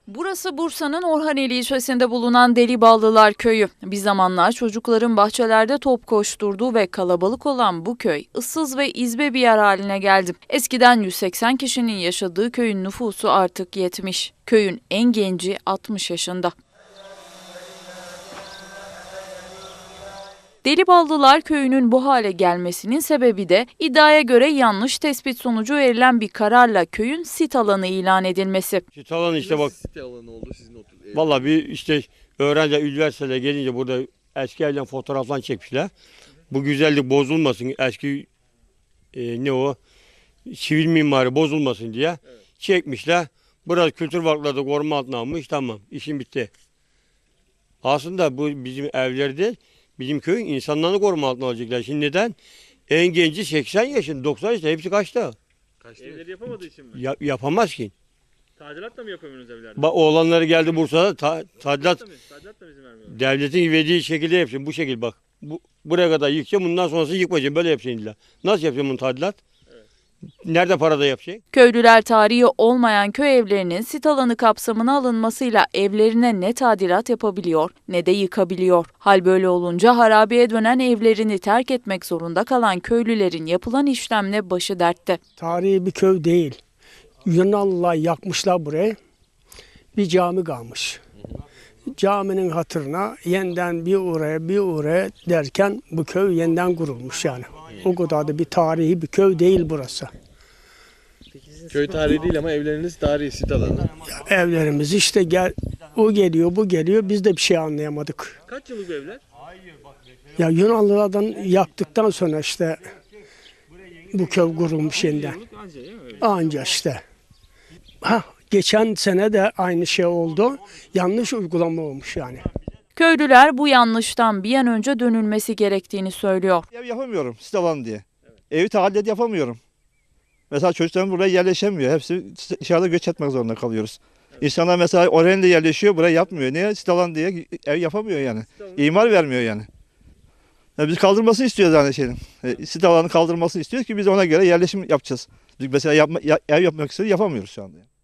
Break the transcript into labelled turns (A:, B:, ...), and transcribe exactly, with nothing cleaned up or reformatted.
A: Burası Bursa'nın Orhaneli ilçesinde bulunan Deliballılar Köyü. Bir zamanlar çocukların bahçelerde top koşturduğu ve kalabalık olan bu köy ıssız ve izbe bir yer haline geldi. Eskiden yüz seksen kişinin yaşadığı köyün nüfusu artık yetmiş. Köyün en genci altmış yaşında. Deliballılar Köyü'nün bu hale gelmesinin sebebi de iddiaya göre yanlış tespit sonucu verilen bir kararla köyün sit alanı ilan edilmesi.
B: Sit alanı işte bak.
C: Site alanı oldu sizin otur.
B: Vallahi bir işte öğrenci üniversiteye gelince burada eski evden fotoğraflar çekmişler. Bu güzellik bozulmasın, eski e, ne o sivil mimari bozulmasın diye
C: Evet.
B: çekmişler. Biraz kültür varlıkları da koruma altına almış, tamam, işim bitti. Aslında bu bizim evler değil, bizim köyün insanlarını koruma altına alacaklar. Şimdi neden? En genci seksen yaşında, doksan yaşında, hepsi kaçta?
C: Kaçtı?
D: Evleri yapamadığı için mi?
B: Ya, yapamaz ki.
D: Tadilat da mı yapamıyorsunuz evlerde?
B: Bak oğlanları geldi Bursa'da, ta, tadilat,
D: da mı? Tadilat da mı izin vermiyor?
B: devletin verdiği şekilde yapsın, bu şekil bak. Bu, buraya kadar yıkacağım, bundan sonrası yıkmayacağım, böyle yapacaksın illa. Nasıl yapacağım bunu tadilat?
D: Evet.
B: Nerede parada yapacaksın?
A: Köylüler tarihi olmayan köy evlerinin sit alanı kapsamına alınmasıyla evlerine ne tadilat yapabiliyor ne de yıkabiliyor. Hal böyle olunca harabeye dönen evlerini terk etmek zorunda kalan köylülerin yapılan işlemle başı dertte.
E: Tarihi bir köy değil. Yunanlılar yakmışlar burayı. Bir cami kalmış. Caminin hatırına yeniden bir oraya bir oraya derken bu köy yeniden kurulmuş yani. O kadar da bir tarihi bir köy değil burası.
C: Köy tarihi değil ama evleriniz tarihi, sit alanı.
E: Evlerimiz işte gel, o geliyor bu geliyor, biz de bir şey anlayamadık.
D: Kaç yıllık bu evler?
E: Ya Yunanlılardan yaktıktan sonra işte bu köy kurulmuş yeniden.
D: Yıllık anca değil mi? Öyle.
E: Anca işte. Ha, geçen sene de aynı şey oldu. Yanlış uygulama olmuş yani.
A: Köylüler bu yanlıştan bir an önce dönülmesi gerektiğini söylüyor.
F: Ev yapamıyorum sit alanı diye. Evi tahaddüt yapamıyorum. Mesela çocuklarım buraya yerleşemiyor. Hepsi dışarıda göç etmek zorunda kalıyoruz. İnsanlar mesela Orhaneli'de yerleşiyor, buraya yapmıyor. Niye? Sit alanı diye ev yapamıyor yani. İmar vermiyor yani. Ya biz kaldırmasını istiyoruz yani şeyin. E, sit alanı kaldırmasını istiyoruz ki biz ona göre yerleşim yapacağız. Biz mesela yapma, ya- ev yapmak istiyoruz, yapamıyoruz şu anda. Yani.